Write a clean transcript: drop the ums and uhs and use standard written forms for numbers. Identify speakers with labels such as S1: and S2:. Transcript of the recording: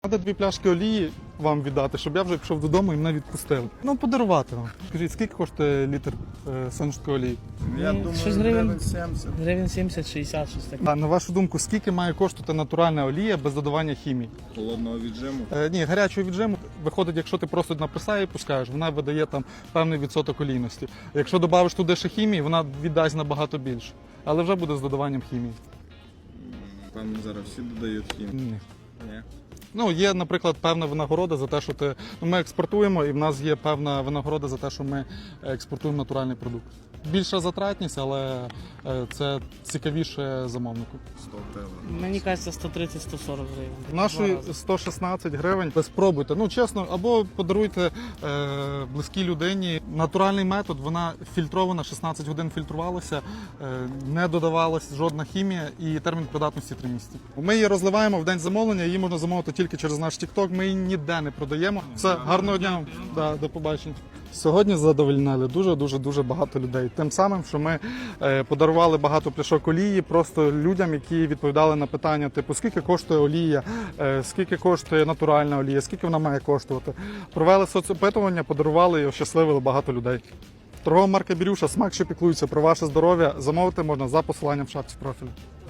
S1: Треба 2 пляшки олії вам віддати, щоб я вже пішов додому і мене відпустили. Ну, подарувати вам. Скажіть, скільки коштує літр соняшникової олії?
S2: Я думаю,
S3: щось
S2: гривень 70.
S3: Гривень 70-60, щось таке.
S1: А на вашу думку, скільки має коштувати натуральна олія без додавання хімії?
S2: Холодного віджиму.
S1: Ні, гарячого віджиму виходить, якщо ти просто на пресаї пускаєш, вона видає там певний відсоток олійності. Якщо додавиш туди ще хімії, вона віддасть набагато більше. Але вже буде з додаванням хімії.
S2: Там зараз всі додають хімію.
S1: Ні.
S2: Ні.
S1: Ну, є, наприклад, певна винагорода за те, що ми експортуємо, і в нас є певна винагорода за те, що ми експортуємо натуральний продукт. Більша затратність, але це цікавіше замовнику.
S2: 100 гривень.
S3: Мені кажеться, 130-140 гривень.
S1: Нашої 116 гривень. Ви спробуйте. Ну, чесно, або подаруйте близькій людині. Натуральний метод, вона фільтрована, 16 годин фільтрувалася, не додавалась жодна хімія і термін придатності 3 місяці. Ми її розливаємо в день замовлення, її можна замовити тільки через наш TikTok, ми її ніде не продаємо. Все, гарного дня, да, до побачення. Сьогодні задовольнили дуже багато людей. Тим самим, що ми подарували багато пляшок олії просто людям, які відповідали на питання, типу, скільки коштує олія, скільки коштує натуральна олія, скільки вона має коштувати. Провели соцопитування, подарували і ощасливили багато людей. Торгова марка Бірюша, смак, що піклується про ваше здоров'я, замовити можна за посиланням в шапці профілю.